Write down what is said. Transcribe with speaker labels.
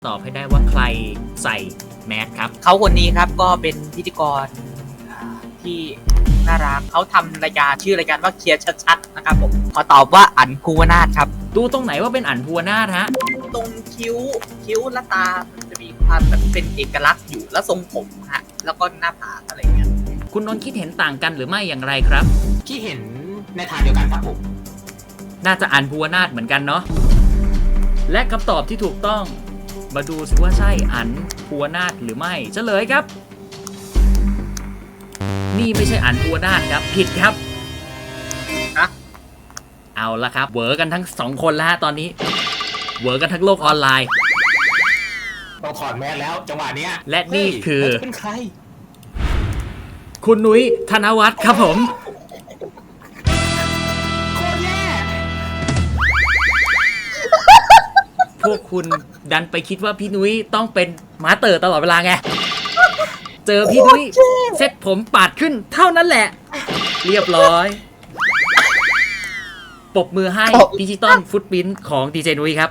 Speaker 1: ตอบให้ได้ว่าใครใส่แมสครับ
Speaker 2: เขาคนนี้ครับก็เป็นพิธีกรที่น่ารักเขาทำรายการชื่อรายการว่าเคลียร์ชัดๆนะครับผมขอตอบว่าอั๋นภูวนาถครับ
Speaker 1: ดูตรงไหนว่าเป็นอั๋นภูวนาถฮะ
Speaker 2: ตรงคิ้วและตามันจะมีความแบบเป็นเอกลักษณ์อยู่แล้วทรงผมฮะแล้วก็หน้าผากอะไรเงี้ย
Speaker 1: คุณนนท์คิดเห็นต่างกันหรือไม่อย่างไรครับ
Speaker 3: ที่เห็นในทางเดียวกันครับผม
Speaker 1: น่าจะอั๋นภูวนาถเหมือนกันเนาะและคำตอบที่ถูกต้องมาดูสิว่าใช่อั๋นภูวนาถหรือไม่เฉลยครับ นี่ไม่ใช่อั๋นภูวนาถครับผิดครับ
Speaker 2: ฮะ
Speaker 1: เอาละครับเวอร์กันทั้งสองคนแล้วฮะตอนนี้เวอร์กันทั้งโลกออนไลน์
Speaker 3: ต้องถอดแมสแล้วจังหวะเนี้ย
Speaker 1: และนี่คือ
Speaker 3: เฮ้ยแล้วจะเป็นใคร
Speaker 1: คุณนุ้ยธนวัฒน์ครับผม
Speaker 3: โคตรแย่
Speaker 1: พวกคุณดันไปคิดว่าพี่นุ้ยต้องเป็นมาสเตอร์ตลอดเวลาไง เจอพี่นุ้ยเซ็ตผมปาดขึ้นเท่านั้นแหละ เรียบร้อยปรบมือให้ดิจิตอลฟุตปรินท์ของดีเจนุ้ยครับ